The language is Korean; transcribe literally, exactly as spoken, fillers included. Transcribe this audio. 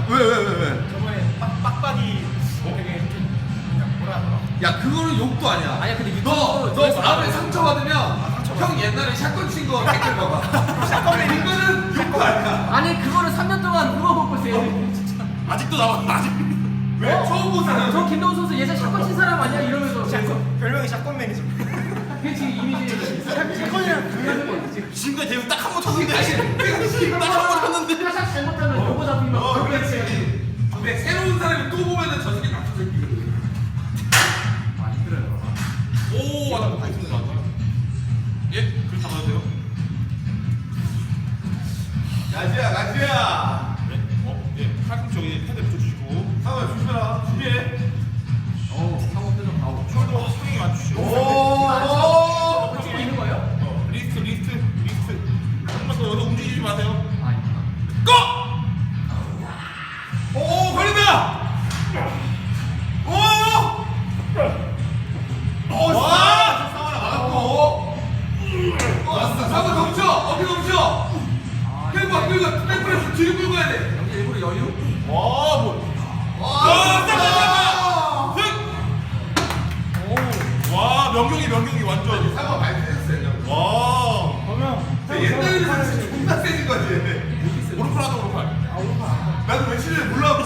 왜 왜 왜 왜? 저번에 빡, 빡빡이 되게 그냥 뭐라 하더라. 야 그거는 욕도 아니야. 아니야, 근데 유튜브 너너 조회수 마음에 나와요. 상처 받으면 형 옛날에 샷건 친 거 댓글 봐봐. 샷건 이거는 욕도 아니야. 아니 그거를 삼 년 동안 누가 볼 거세요? 아직도 나와. 아직. 왜 처음 본 사람? 저 김동훈 선수 예전 샷건 친 사람 아니야? 이러면서 샷건 별명이 샷건 매니저. 그게 지금 이미지 샷건이랑 불가는 지금 지금까지 대우 딱 한 번 쳤는데. 딱한번 쳤는데 샷 잘못하면 요거 잡히면 어 그렇지. 근데 새로운 사람이 또 보면은 저 새끼 나쁜 새끼. 아 힘들어요. 오, 맞아. 많이 쓰는 거 같아. 예, 그렇게 담아도 돼요? 가지야 가지야. 네. 어, 예. 팔꿈치 여기 패드 붙여주시고. 상호야 조심해라. 준비해. 어 상호 표정 나오고 숄더 스윙 맞추시고. 오. 찍고 있는 거예요? 어, 리스트, 리스트, 리스트. 한번 더 여기서 움직이지 마세요. 아 있구나. 고! 오 걸린다. 오. 오 와. 상호야 막았고. 왔어. 상호 덮쳐. 어깨 덮쳐. 아 끌고 끌고 백프레스 뒤로 끌고 가야 돼. 여기 일부러 여유? 와, 뭐. 와. 오. 와, 명경이, 명경이 완전. 상호 많이 세졌어요. 와. 옛날에는 진짜 존나 세진 거지. 오른팔 하자, 오른팔. 나도 며칠 전에 몰라갖고